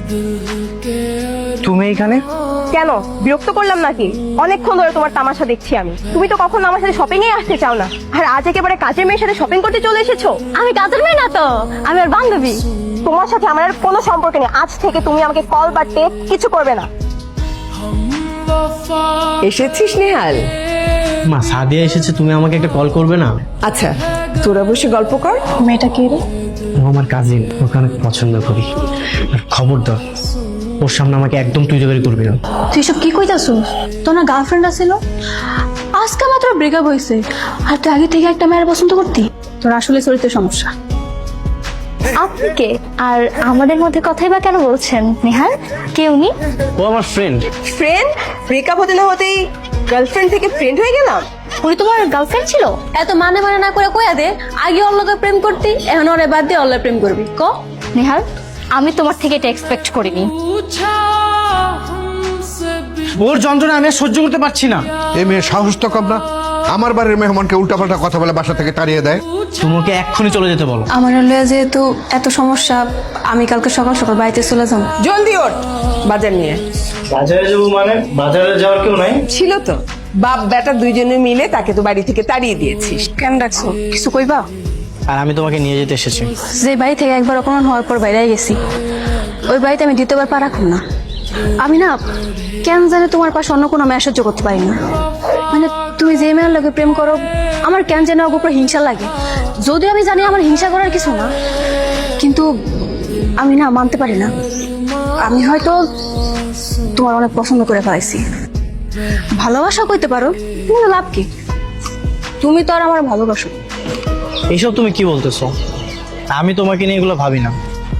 তুমি এখানে? কেন, বিরক্ত করলাম নাকি? অনেকক্ষণ ধরে তোমার তামাশা দেখছি আমি। তুমি তো কখনো আমার সাথে শপিং এ আসতে চাও না, আর আজ একেবারে কাজের মেয়ের সাথে শপিং করতে চলে এসেছো। আমি কাজের মেয়ে না তো, আমি আর বান্ধবী। তোমার সাথে আমার আর কোনো সম্পর্ক নেই। আজ থেকে তুমি আমাকে কল বা টেক্সট কিছু করবে না। এসেছিস নেহাল? মা, সাদিয়া এসেছে, তুমি আমাকে একটা কল করবে না? আচ্ছা, তোরা বসে গল্প কর। মেয়েটা কে রে? ও আমার কাজিন, ওকে অনেক পছন্দ করি। আর খবরদার ওর সামনে আমাকে একদম তুই তৈরি করবি না। তুই সব কি কইতাছস? তোর না গার্লফ্রেন্ড আছিল? আজকে মাত্র ব্রেকআপ হয়েছে, আর তুই আগে থেকে একটা মেয়ের পছন্দ করতি? তোর আসলে চরিত্রের সমস্যা। আপনি কে? আর আমাদের মধ্যে কথাই বা কেন বলছেন নেহাল? কে উনি? ও আমার ফ্রেন্ড। ফ্রেন্ড? ব্রেকআপ হতে না হতেই গার্লফ্রেন্ড থেকে ফ্রেন্ড হয়ে গেলাম? উনি তোমার গার্লফ্রেন্ড ছিল? এত মানে মানে না করে কইয়া দে, আগে ওর লগে প্রেম করতি, এখন ওরে বাদ দিয়ে ওর লগে প্রেম করবি। ক নেহাল, আমি তোমার থেকে এটা এক্সপেক্ট করিনি। ওর যন্ত্রণা আমি আর সহ্য করতে পারছি না। এই মেয়ে সাহস তো কম না, আমার বাড়ির মেহমানকে উল্টাপাল্টা কথা বলে বাসা থেকে তাড়িয়ে দেয়। তোমাকে এক্ষুনি চলে যেতে বলো। আমার লয়ে যেহেতু এত সমস্যা, আমি কালকে সকাল সকাল বাড়িতে চলে যাব। জলদি ওঠ, বাজার নিয়ে। বাজারে যাবো মানে? বাজারে যাওয়ার কেউ নাই? ছিল তো, বাপ বেটা দুইজনে মিলে তাকে তো বাড়ি থেকে তাড়িয়ে দিয়েছিস। কেন ডাকছো? কিছু কইবা? আর আমি তোমাকে নিয়ে যেতে এসেছি। যে বাড়ি থেকে একবার অপমান হওয়ার পর বাইরে গেছি, ওই বাড়িতে আমি দ্বিতীয়বার পা রাখুন না। আমি না কেন জানি তোমার পাশে অন্য কোনো মেয়ে সহ্য করতে পারি না। মানে তুমি যে মেয়ের লোকে প্রেম করো, আমার কেন যেন ওর উপর হিংসা লাগে। যদিও আমি জানি আমার হিংসা করার কিছু না, কিন্তু আমি না মানতে পারি না। আমি হয়তো তোমার অনেক পছন্দ করে ফেলাইছি। ভালোবাসা কইতে পারো, কিন্তু লাভ কি? তুমি তো আর আমার ভালোবাসো। এইসব তুমি কি বলতেছো? আমি তোমাকে নিয়ে এগুলো ভাবি না।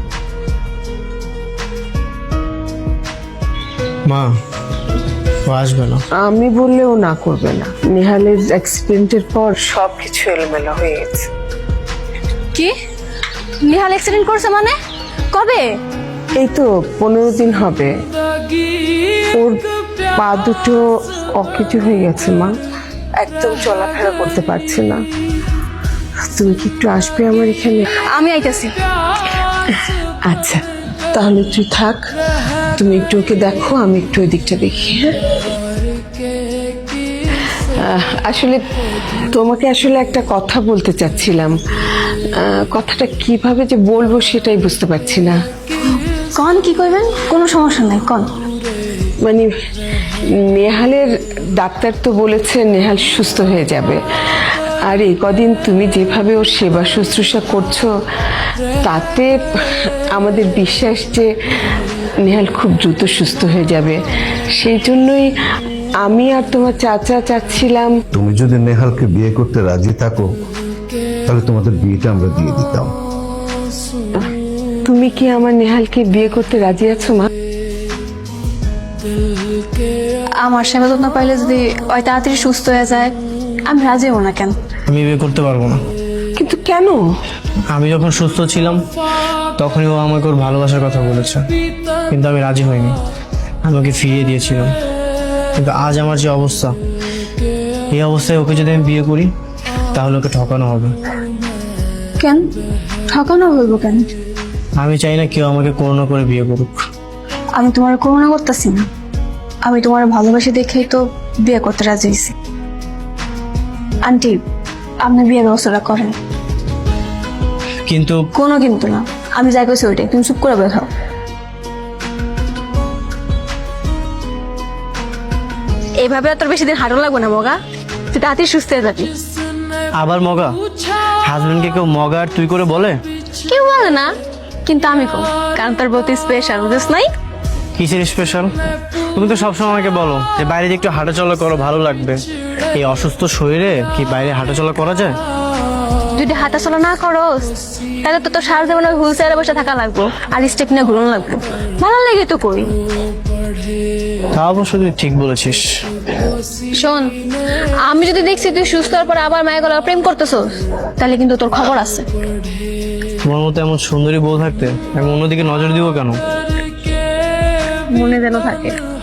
মা, ও আসবে না। আমি বললেও না করবে না। নেহালের অ্যাক্সিডেন্টের পর সবকিছু এলোমেলো হয়ে গেছে। কি? নিহাল অ্যাক্সিডেন্ট করছে মানে? কবে? এই তো 15 দিন হবে। ওর পা দুটো অকেজো হয়ে গেছে মা, একদম চলাফেরা করতে পারছে না। তুমি কি একটু আসবে আমার এখানে? আমি আইতাছি। আচ্ছা, তাহলে তুই থাক, তুমি একটু ওকে দেখো, আমি একটু ওই দিকটা দেখি। হ্যাঁ, আসলে তোমাকে আসলে একটা কথা বলতে চাচ্ছিলাম। কথাটা কিভাবে যে বলবো সেটাই বুঝতে পারছি না। কন, কি করবেন? কোনো সমস্যা নাই, কন। মানে নেহালের ডাক্তার তো বলেছে নেহাল সুস্থ হয়ে যাবে, আর এই কদিন তুমি যেভাবে ওর সেবা শুশ্রূষা করছো, তাতে আমাদের বিশ্বাস যে নেহাল খুব দ্রুত সুস্থ হয়ে যাবে। সেই জন্যই আমি আর তোমার চাচা চাচ্ছিলাম। তুমি যদি নেহালকে বিয়ে করতে রাজি থাকো, তাহলে তোমাদের বিয়েটা আমরা দিয়ে দিতাম। তুমি কি আমার নেহালকে বিয়ে করতে রাজি আছো মা? আমার সেবা যত্ন পাইলে যদি ওই তাড়াতাড়ি সুস্থ হয়ে যায়, আমি রাজি হব না। কেন? আমি বিয়ে করতে পারবো না। কিন্তু কেন? আমি যখন সুস্থ ছিলাম তখনই ও আমাকে ওর ভালোবাসার কথা বলেছে, কিন্তু আমি রাজি হইনি। আমি ওকে ফিরিয়ে দিয়েছিলাম। কিন্তু আজ আমার যে অবস্থা, এই অবস্থায় ওকে যদি আমি বিয়ে করি তাহলে ওকে ঠকানো হবে। কেন ঠকানো হইব? কেন? আমি চাই না কেউ আমাকে করুণা করে বিয়ে করুক। আমি তোমার করুণা করতেছি না, আমি তোমার ভালোবাসি দেখেই তো বিয়ে করতে রাজি হয়েছি। আন্টি, আপনি বিয়ে ব্যবস্থাটা করেন। কিন্তু কোনো কিন্তু না, আমি যাই কইছি ওইটাই, তুমি চুপ করে বের হও। এইভাবে আর তোর বেশি দিন হাঁটো লাগবে না মগা, তুই তাড়াতাড়ি সুস্থ হয়ে যাবি। আবার মগা? হাজবেন্ডকে কেউ মগা আর তুই করে বলে? কেউ বলে না, কিন্তু আমি কম, কারণ তোর বহুত স্পেশাল, বুঝিস নাই? কিসের স্পেশাল? তুমি তো সবসময় আমাকে বলো যে বাইরে যে একটু হাঁটাচলা করো, ভালো লাগবে। এই অসুস্থ শরীরে কি বাইরে হাঁটাচলা করা যায়? যদি হাঁটাচলা না করোস তাহলে তো তোর সারা জীবন হুইল চেয়ারে বসে থাকা লাগবো, আর স্টেপ নিয়ে ঘুরন লাগবো। ভালো লাগে তো কই। তা অবশ্য তুই ঠিক বলেছিস। শোন, আমি যদি দেখছি তুই সুস্থ হওয়ার পর আবার মায়ের গলা প্রেম করতেছস, তাহলে কিন্তু তোর খবর আছে। তোমার মতো এমন সুন্দরী বউ থাকতে আমি অন্যদিকে নজর দিব কেন? মনে যেন থাকে।